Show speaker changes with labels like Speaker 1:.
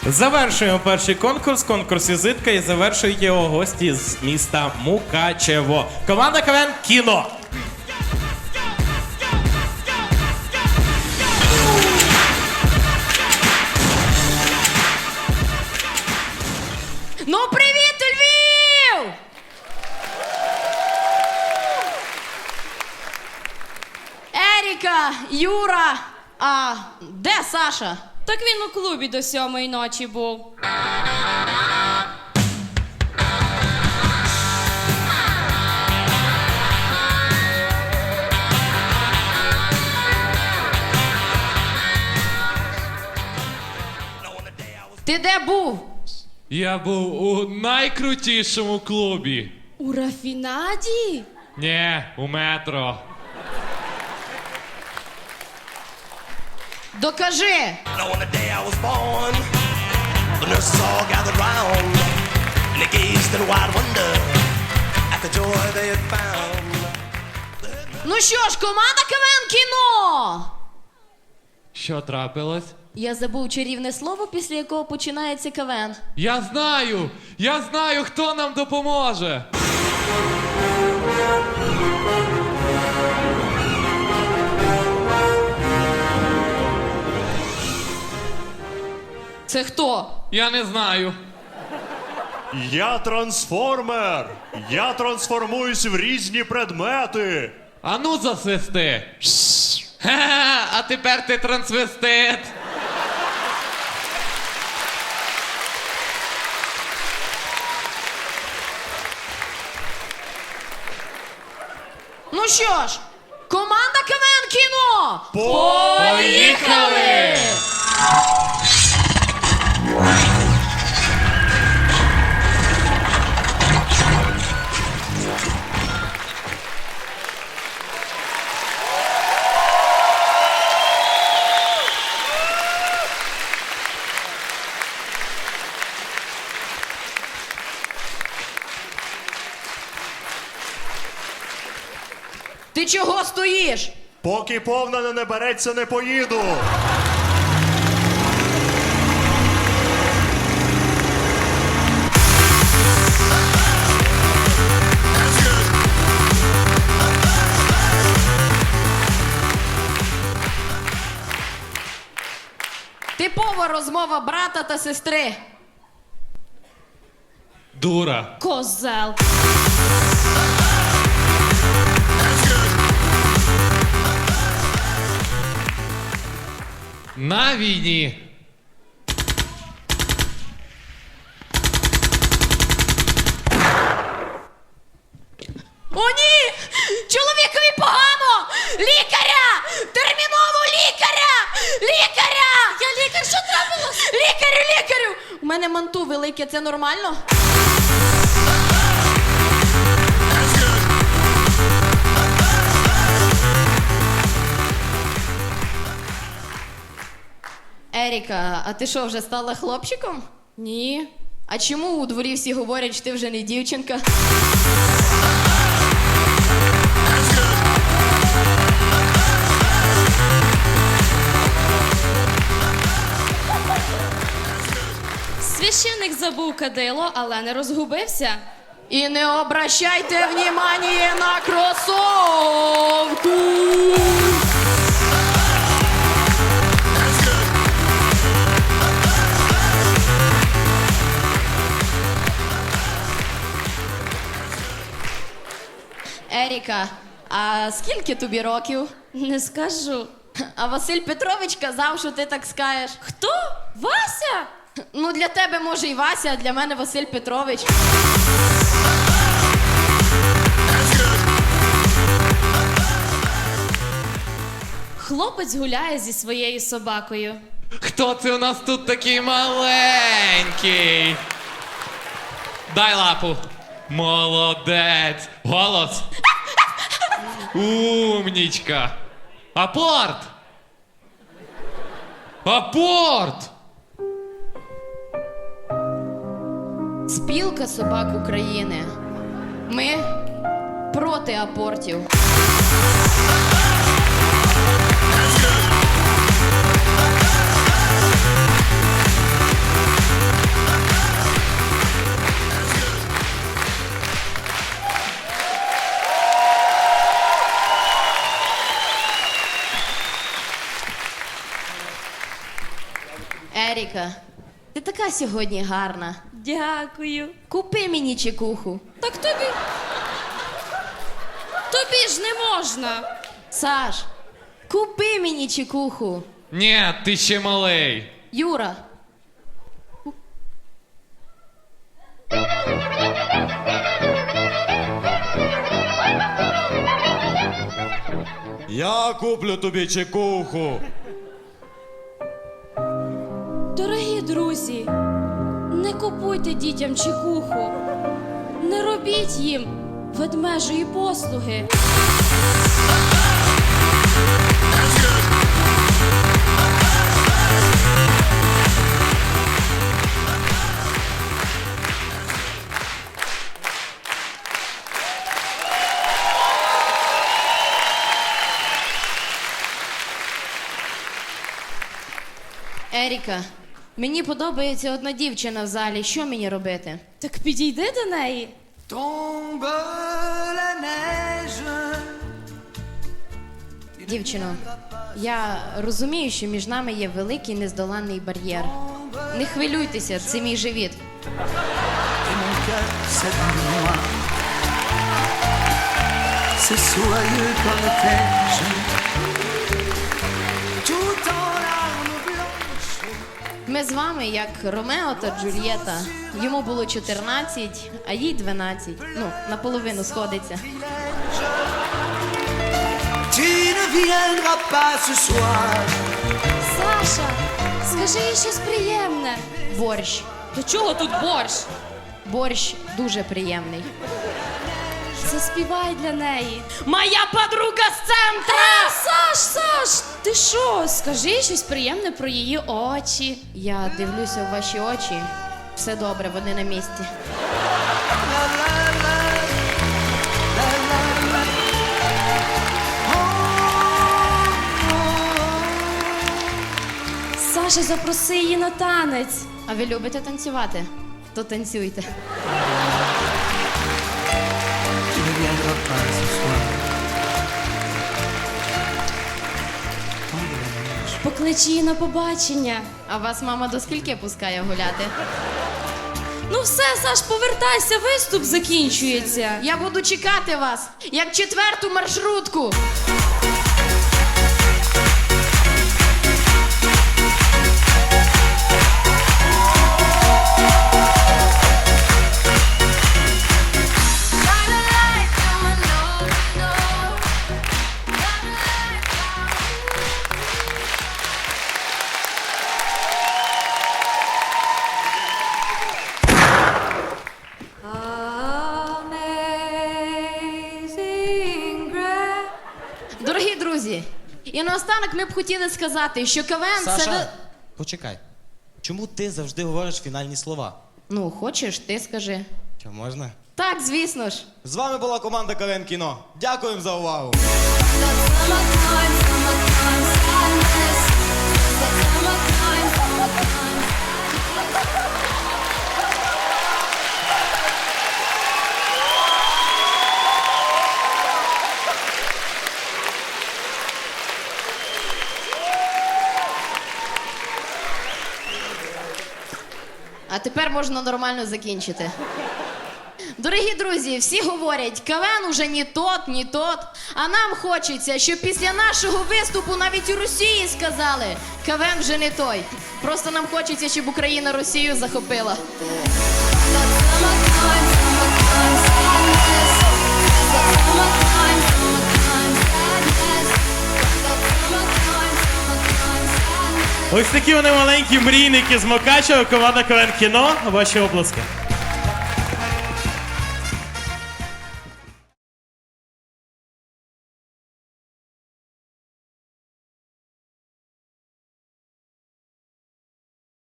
Speaker 1: Завершуємо перший конкурс. Конкурс «Візитка» і завершують його гості з міста Мукачево. Команда КВН «Кіно».
Speaker 2: Ну, привіт, Львів! Еріка, Юра, а де Саша?
Speaker 3: Так він у клубі до 7-ї ночі був.
Speaker 2: Ти де був?
Speaker 4: Я був у найкрутішому клубі.
Speaker 3: У Рафінаді?
Speaker 4: Ні, у метро.
Speaker 2: Докажи!
Speaker 5: Now on the day I was born, the nurses all gathered round, and they gazed in wide wonder at the joy they had found.
Speaker 2: Ну що ж, команда КВН «Кіно».
Speaker 4: Що трапилось?
Speaker 2: Я забув чарівне слово, після якого починається КВН.
Speaker 4: Я знаю, хто нам допоможе.
Speaker 2: Це хто?
Speaker 4: Я не знаю.
Speaker 6: Я трансформер! Я трансформуюсь в різні предмети!
Speaker 4: А ну засвисти. Ха-ха, а тепер ти трансвестит.
Speaker 2: Ну що ж, команда КВН «Кіно».
Speaker 4: Поїхали!
Speaker 2: Ти чого стоїш?
Speaker 6: Поки повна не набереться, не поїду!
Speaker 2: Типова розмова брата та сестри.
Speaker 4: Дура.
Speaker 3: Козел.
Speaker 4: На війні.
Speaker 2: О, ні! Чоловікові погано! Лікаря! Терміново лікаря! Лікаря! Я лікар, що трапилось? Лікарю! У мене манту велике, це нормально? Еріка, а ти що, вже стала хлопчиком?
Speaker 3: Ні.
Speaker 2: А чому у дворі всі говорять, що ти вже не дівчинка?
Speaker 3: Священник забув кадило, але не розгубився.
Speaker 2: І не обращайте внимание на кросовку! Еріка, а скільки тобі років?
Speaker 3: Не скажу.
Speaker 2: А Василь Петрович казав, що ти так скажеш.
Speaker 3: Хто? Вася?
Speaker 2: Ну, для тебе, може, і Вася, а для мене Василь Петрович.
Speaker 3: Хлопець гуляє зі своєю собакою.
Speaker 4: Хто це у нас тут такий маленький? Дай лапу. Молодець. Голос. Умнічка. Апорт. Апорт.
Speaker 2: Спілка собак України. Ми проти апортів. Еріка, ти така сьогодні гарна.
Speaker 3: Дякую.
Speaker 2: Купи мені чекуху.
Speaker 3: Так тобі. Тобі ж не можна.
Speaker 2: Саш, купи мені чекуху.
Speaker 4: Ні, ти ще малий.
Speaker 2: Юра.
Speaker 7: Я куплю тобі чекуху.
Speaker 3: Дорогі друзі, не купуйте дітям чекуху. Не робіть їм ведмежої послуги.
Speaker 2: Еріка, мені подобається одна дівчина в залі. Що мені робити?
Speaker 3: Так підійди до неї.
Speaker 2: Дівчино, я розумію, що між нами є великий нездоланний бар'єр. Не хвилюйтеся, це мій живіт.
Speaker 8: C'est soyeux comme neige, tout en larmes blanches.
Speaker 2: Ми з вами як Ромео та Джульєта. Йому було 14, а їй 12. Ну, наполовину сходиться.
Speaker 8: Tu ne viendras pas ce soir.
Speaker 3: Саша, скажи їй щось приємне.
Speaker 2: Борщ.
Speaker 3: До чого тут борщ?
Speaker 2: Борщ дуже приємний.
Speaker 3: Заспівай для неї. Моя подруга з центра! Саш, ти що? Скажи їй щось приємне про її очі.
Speaker 2: Я дивлюся в ваші очі. Все добре, вони на місці.
Speaker 3: Саша, запроси її на танець.
Speaker 2: А ви любите танцювати? То танцюйте.
Speaker 8: Tu ne viendras pas ce soir.
Speaker 3: Поклич її на побачення.
Speaker 2: А вас мама до скільки пускає гуляти?
Speaker 3: Ну все, Саш, повертайся, виступ закінчується.
Speaker 2: Я буду чекати вас, як 4-ту маршрутку. Дорогі друзі, і наостанок ми б хотіли сказати, що КВН це...
Speaker 7: Саша, почекай. Чому ти завжди говориш фінальні слова?
Speaker 2: Ну, хочеш, ти скажи.
Speaker 7: Що, можна?
Speaker 2: Так, звісно ж.
Speaker 7: З вами була команда КВН Кіно. Дякуємо за увагу.
Speaker 2: А тепер можна нормально закінчити. Дорогі друзі, всі говорять, КВН уже не тот, не тот. А нам хочеться, щоб після нашого виступу навіть у Росії сказали, КВН вже не той. Просто нам хочеться, щоб Україна Росію захопила.
Speaker 1: Ось такі вони маленькі мрійники з Мукачева, команда КВН Кіно. Ваші оплески.